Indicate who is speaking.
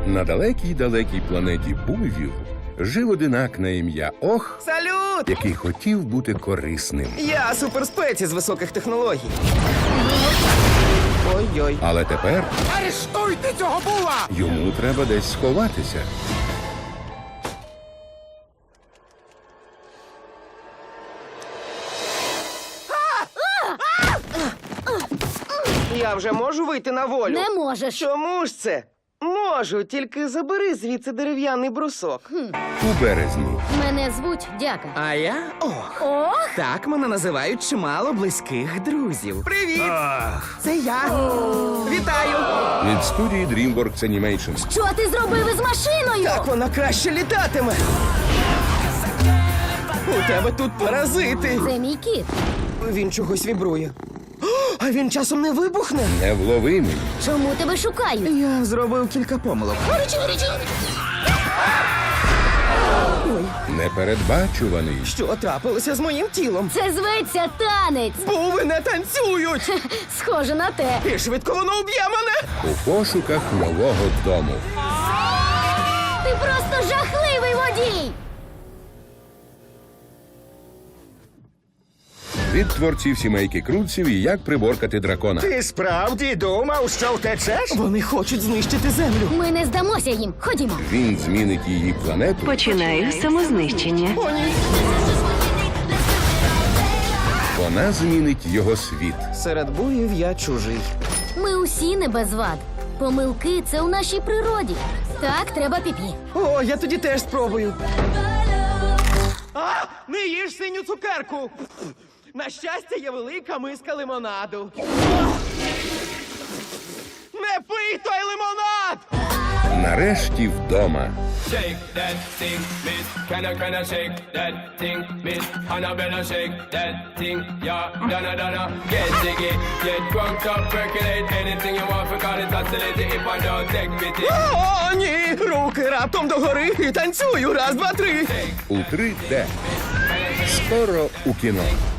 Speaker 1: На далекій-далекій планеті Бувів жив одинак на ім'я Ох,
Speaker 2: Салют!
Speaker 1: який хотів бути корисним.
Speaker 2: Я суперспеці з високих технологій. Ой-ой.
Speaker 1: Але тепер
Speaker 3: Арештуйте цього була!
Speaker 1: йому треба десь сховатися.
Speaker 2: Я вже можу вийти на волю?
Speaker 4: Не можеш.
Speaker 2: Чому ж це? Можу, тільки забери звідси дерев'яний брусок.
Speaker 1: У березні
Speaker 4: Мене звуть Дяка.
Speaker 5: А я Ох.
Speaker 4: Ох!
Speaker 5: Так мене називають чимало близьких друзів.
Speaker 2: Привіт!
Speaker 5: Це я. Вітаю!
Speaker 1: від студії DreamWorks Animation.
Speaker 4: Що ти зробив із машиною?
Speaker 2: Так вона краще літатиме. У тебе тут паразити.
Speaker 4: Це мій кіт.
Speaker 2: Він чогось вібрує. О, а він часом не вибухне.
Speaker 1: Невловимий.
Speaker 4: Чому тебе шукають?
Speaker 5: Я зробив кілька помилок.
Speaker 1: Непередбачуваний.
Speaker 2: Що трапилося з моїм тілом?
Speaker 4: Це зветься танець.
Speaker 2: Буви не танцюють!
Speaker 4: Схоже на те.
Speaker 2: І швидко воно уб'є мене!
Speaker 1: У пошуках нового дому.
Speaker 4: Ти просто жахливий водій.
Speaker 1: Від творців сімейки Крутців і як приборкати дракона.
Speaker 3: Ти справді думав, що втечеш?
Speaker 2: Вони хочуть знищити землю.
Speaker 4: Ми не здамося їм. Ходімо.
Speaker 1: Він змінить її планету,
Speaker 6: Починаю самознищення.
Speaker 2: О, ні.
Speaker 1: вона змінить його світ.
Speaker 2: Серед буїв я чужий.
Speaker 4: Ми усі не без вад. Помилки – це у нашій природі. Так, треба піпі.
Speaker 2: О, я тоді теж спробую. А, не їж синю цукерку! На щастя, є велика миска лимонаду. Не пий той лимонад!
Speaker 1: Нарешті вдома.
Speaker 7: Shake that thing, miss. Can I shake that thing, miss? Annabella, shake that thing, yeah. Donna, get jiggy, get drunk up, percolate anything you want, forgot it, oscillate if I don't take pity.
Speaker 2: О, ні! Руки раптом догори і танцюю. Раз, два, три.
Speaker 1: У 3D. Скоро у кіно.